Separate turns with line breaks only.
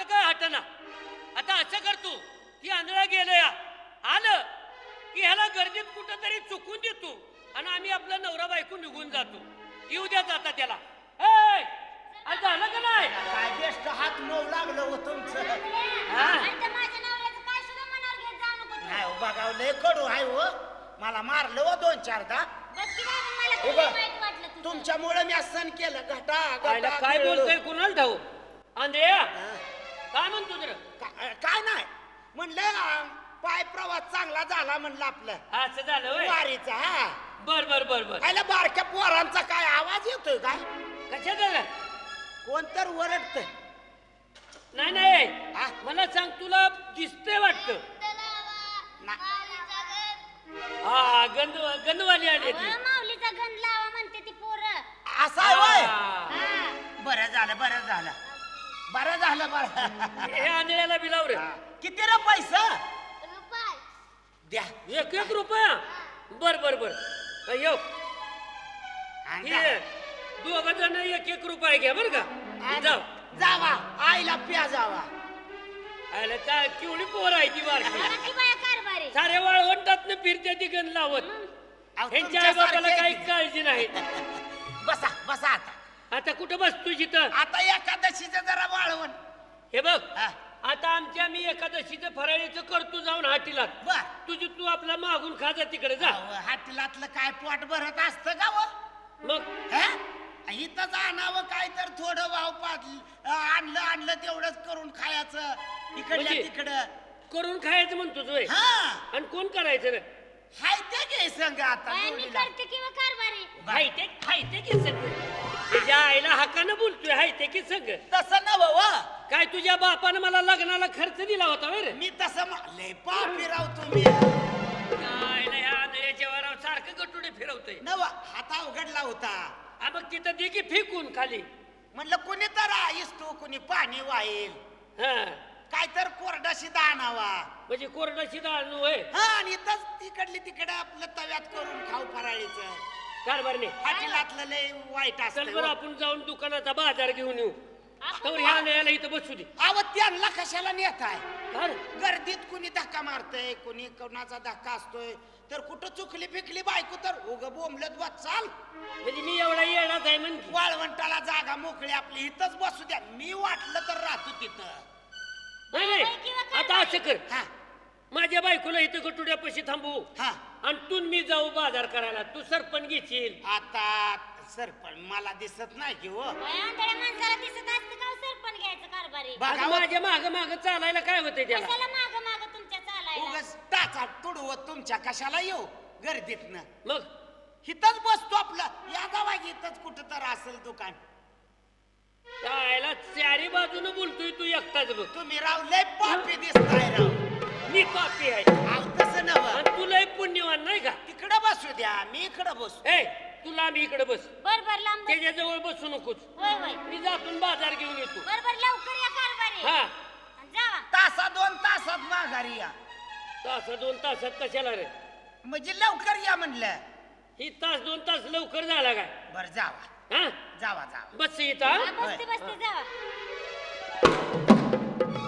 कसं काय हटना. आता असं कर तू ती आंधळा गेलं या आलं की ह्याला गर्दीत कुठं तरी चुकून देतो आणि आम्ही आपला नवरा बायको निघून जातो. येऊ द्या जाता त्याला. आज झालं का नाही?
काय बेस्ट हात मऊ लागलं हो तुमचं. नाही हो बघा लय कडू आहे हो. मला मारलं हो 2-4दा. तुमच्यामुळे मी सण केलं. घटा
काय बोलतोय कुणाला ठाऊ? आंधळ्या काय म्हणतो जरा?
काय नाही म्हणलं पाय प्रवास चांगला झाला म्हणलं आपलं.
असं झालं होय?
वारीचा. हा
बर बर बर बर.
पहिला बारक्या पोरांचा काय आवाज येतोय काय?
कशा झालं? कोण
तर ओरडतंय.
नाही नाही मला सांग तुला दिसतंय वाटतं. हा गंधवाली आली ती.
माऊलीचा गंध लावा म्हणते ती पोरं.
असं आहे होय? बरं झालं बरं झालं बरं झालं बरं.
हे आंधळ्याला बिलाव रे.
किती रे पैसा? द्या
1 रुपया. बर बर बर येऊ. दोघ जण 1 रुपया घ्या बर का. जाऊ
जावा आईला प्या जावा.
आयला काय केवढी पोर आहे ती बारकी.
ती बाया कारभारी.
सारे वाळवंटात फिरते ती गण लावत. ह्यांच्या आई बापाला काही काळजी नाही.
बसा बसा आता.
आता कुठं बसतो जिथं?
आता एकादशीचं जरा वाळवण.
हे बघ आता आमच्या मी एकादशीचं फराळीचं करतो जाऊन हाटीला.
बर
तुझी तू आपला मागून खाजा तिकडे जा.
हाटीलातलं काय पोट भरत असतं का व?
मग
इथंच आणावं काय तर थोडं वाव आणलं आणलं तेवढंच करून खायचं इकडल्या
म्हणजे?
तिकडं
करून खायचं म्हणतोच होय.
हा
आणि कोण करायचं रे?
हाय ते घे संग आता
बाया मी
जोडीला.
करते किंवा कारभारी.
हायते की सग तुझ्या आईला हक्कानं बोलतोय. हायते की सग
तसं नव
काय तुझ्या बापानं मला लग्नाला खर्च दिला होता रे?
मी तसं लय पापी राव तुम्ही.
आईला ह्या आंधळ्याच्या वरावर सारखं गटुडे फिरवतोय.
नव हाता उघडला होता.
मग तिथं दे की फेकून खाली.
म्हणलं कुणी तर आईस तू कुणी पाणी वाईल
हा
काय तर कोरडाशी दाणावा.
म्हणजे कोरडाची डाळ होय.
हा आणि इथंच तिकडली तिकडे आपलं तव्यात करून खाऊ फराळीचं.
कारभारने
हाटीलातलं लय वाईट
चल
असतं
बरं
हो.
आपण जाऊन दुकानाचा बाजार घेऊन येऊ. तर ह्या आंधळ्याला इथं बसू दे.
अव त्यांना कशाला नेताय?
काय रे?
गर्दीत कुणी धक्का मारतय कुणी कोणाचा धक्का असतोय तर कुठं चुकली फिकली बायको तर उग बोंबलत बस चाल.
म्हणजे मी एवढा येणार आहे म्हणजे.
वाळवंटाला जागा मोकळी आपली इथंच बसू द्या. मी वाटलं तर राहतो तिथं.
नाही नाही आता असं कर
हा
माझ्या बायकोला इथं गटुड्यापाशी थांबवू
हा
आणि तू मी जाऊ बाजार करायला. तू सरपण घेशील.
आता सरपण मला दिसत नाही की हो.
बाया आंधळ्या माणसाला दिसत असतं का हो सरपण घ्यायचं कारभारी.
बघा
माझ्या माग माग चालायला काय होतंय त्याला?
कशाला माग माग तुमच्या चालायला.
उगाच टाचा तुडवत तुमच्या कशाला येऊ गर्दीतनं.
मग
इथंच बसतो आपलं या गावा इथंच कुठं तर असेल दुकान.
चायला चारी बाजूनं बोलतोय तू एकटाच बघ.
तुम्ही राव लय पापी दिसताय राव.
मी पापी आहे
आव तसं नव.
आणि तुलाही पुण्यवान नाही का?
तिकडं बसू द्या मी इकडं बसू.
ए तुला मी इकडे बस.
बर बर लांब बस.
त्याच्या जवळ बसू नकोच.
होय होय
मी जातून बाजार घेऊन येतो.
बर बर लवकर या कारभारी.
हा
आणि जावा.
तासा 2 तासात माघारी या.
तास 2 तासात कशाला रे?
म्हणजे लवकर या म्हणलं.
ही तास 2 तास लवकर झाला काय?
बर जावा
हा
जावा जावा.
बस इथं
हा,
हा?
बसते बसते जावा.